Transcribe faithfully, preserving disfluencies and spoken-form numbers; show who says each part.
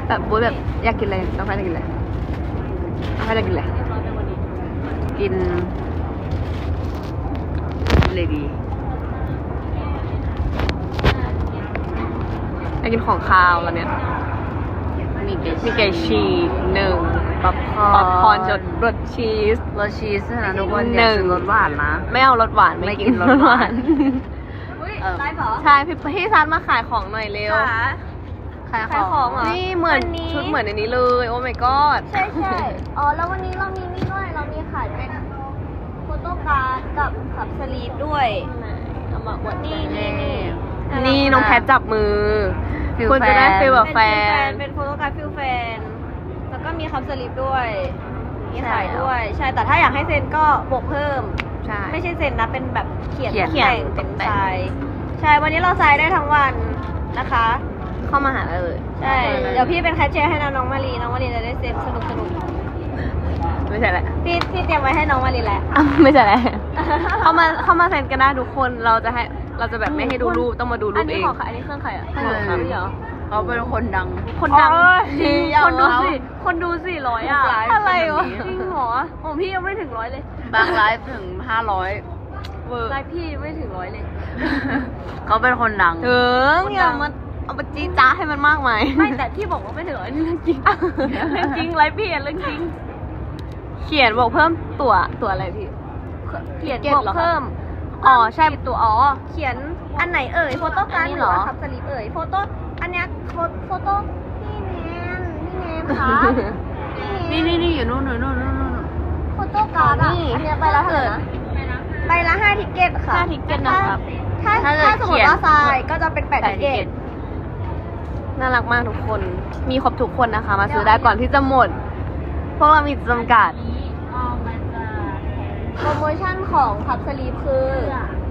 Speaker 1: แบบบู๊แบบอยากกินอะไรน้องแพทย์อยากกินอะไรน้องแพทย์อยากกินอะไรกินเลยดีอยากกินของคาวแล้วเนี่ยมีไก่ฉีกหนึ่งป๊อปคอร์นป๊อปคอร์นจดรสชีส
Speaker 2: รสชีสนะทุกคน
Speaker 1: หนึ่ง
Speaker 2: รสหวานนะ
Speaker 1: ไม่เอารสหวานไม่กินรสหวาน
Speaker 3: อุ้ยไลฟ์เหรอ
Speaker 1: ใช่พี่พี่ซันมาขายของหน่อยเร็ว
Speaker 3: ค่ะ
Speaker 1: ขาย
Speaker 3: ขายของเหรอ
Speaker 1: นี่เหมือน
Speaker 3: วันนี้
Speaker 1: ชุดเหมือนในนี้เลยโอ้ my god
Speaker 3: ใช่ใช่อ๋อแล้ววันนี้เรามีนี่ด้วยเรามีขายเป็นโฟโต้การ์ดกับขับสลีปด้วย
Speaker 1: เอามาอวด
Speaker 3: นี่นี่นี่
Speaker 1: นี่น้องแพทจับมือ
Speaker 2: ฟิล
Speaker 1: คุณจะได้
Speaker 2: แฟน
Speaker 1: ฟีลแบบแฟ
Speaker 3: เป็น นเป็นโฟโต้การ์ดฟิลแฟนแล้วก็มีขับสลีปด้วยมีขายด้วย ใช่แต่ถ้าอยากให้เซ็นก็บวกเพิ่ม
Speaker 1: ใช่
Speaker 3: ไม่ใช่เซ็นนะเป็นแบบเขียน
Speaker 1: เขียน
Speaker 3: แต่งเป็นทรายใช่วันนี้เราทรายได้ทั้งวันนะคะ
Speaker 1: เข้ามาหาได้เลย
Speaker 3: ใช่เดี๋ยวพี่เป็นแคชเชียร์ให้น้องมารีน้องมารีจะได้เซ็นสนุกสนุก
Speaker 1: ไม่ใช่แหละ
Speaker 3: พี่พี่เตรียมไว้ให้น้องมารีแหละ
Speaker 1: อ่ะไม่ใช่แหละเข้ามาเข้ามาเซ็นกันได้ทุกคนเราจะให้เราจะแบบไม่ให้ดูรูปต้องมาดูรู
Speaker 3: อัน
Speaker 1: ปเอ
Speaker 3: นี้
Speaker 1: ง
Speaker 3: ของใครอันนี้เครื่องใครอ่ะ
Speaker 1: เออ
Speaker 3: ของเหรอ
Speaker 2: เขาเป็นคนดัง
Speaker 1: คนดัง
Speaker 3: โอ้ย
Speaker 1: จริง
Speaker 3: คนดู
Speaker 1: เอา
Speaker 3: สิคนดูสี่ร้อยอ่ะ
Speaker 2: ไลฟ์
Speaker 3: อะไรวะ
Speaker 2: เป็นแบบนี้
Speaker 3: จริงเหรอของพี่ยังไม่ถึงร้อยเลย
Speaker 2: บางไลฟ์ถึงห้าร้อย
Speaker 1: เวอร์
Speaker 3: ไลฟ์พี่ไม่ถึงร้อยเลย
Speaker 2: เขาเป็นคนดัง
Speaker 1: ถึง
Speaker 3: คนดัง
Speaker 1: อย่ามาเอาไปจี้จ้าให้มันมากมาย
Speaker 3: ไม่แต่ที่บอกว่าไม่ถึงร้อยนี่เรื่องจริงเรื่องจริงไลฟ์พี่อะเรื่องจริง
Speaker 1: เขียนบอกเพิ่มตั๋วตั๋วอะไรพี่
Speaker 3: เขียน
Speaker 1: เก็ต
Speaker 3: บอก
Speaker 1: เหรอคะ
Speaker 3: เพิ่ม
Speaker 1: อ๋อใช่
Speaker 3: ผิดตัวอ๋อเขียนอันไหนเอ่ยโฟโต้การ์ด
Speaker 1: อันนี้
Speaker 3: ห
Speaker 1: เหร
Speaker 3: รือ
Speaker 1: อ
Speaker 3: ว่าคับสลีปเอ่ยโฟโต้อันเนี้ยโฟโฟโต้พี่แนนพี่แนนคะพี่
Speaker 2: นี่
Speaker 3: แน
Speaker 2: นี่นี่อยู่นู่นนู่นนู่นนู่นนู่น
Speaker 3: โฟโต้การ์ดอ่ะ
Speaker 1: นี่
Speaker 3: อันเนี้ยใบละเท่าไหร่นะใบละห้าทิกเก็ตค่ะ
Speaker 1: ห้าทิกเก็ตนะครับ
Speaker 3: ถ้า
Speaker 2: ถ้า
Speaker 3: ถ้า
Speaker 2: เกิด
Speaker 3: สมม
Speaker 2: เขีย
Speaker 3: ติ
Speaker 2: น
Speaker 3: ว่าทรายก็จะเป็นแปดทิกเก็ต
Speaker 1: น่ารักมากทุกคน มีครบทุกคนนะคะ มาซื้อได้ก่อนที่จะหมด พวกเรามีจำกัด
Speaker 3: โปรโมชั่นของคับสลีปคือ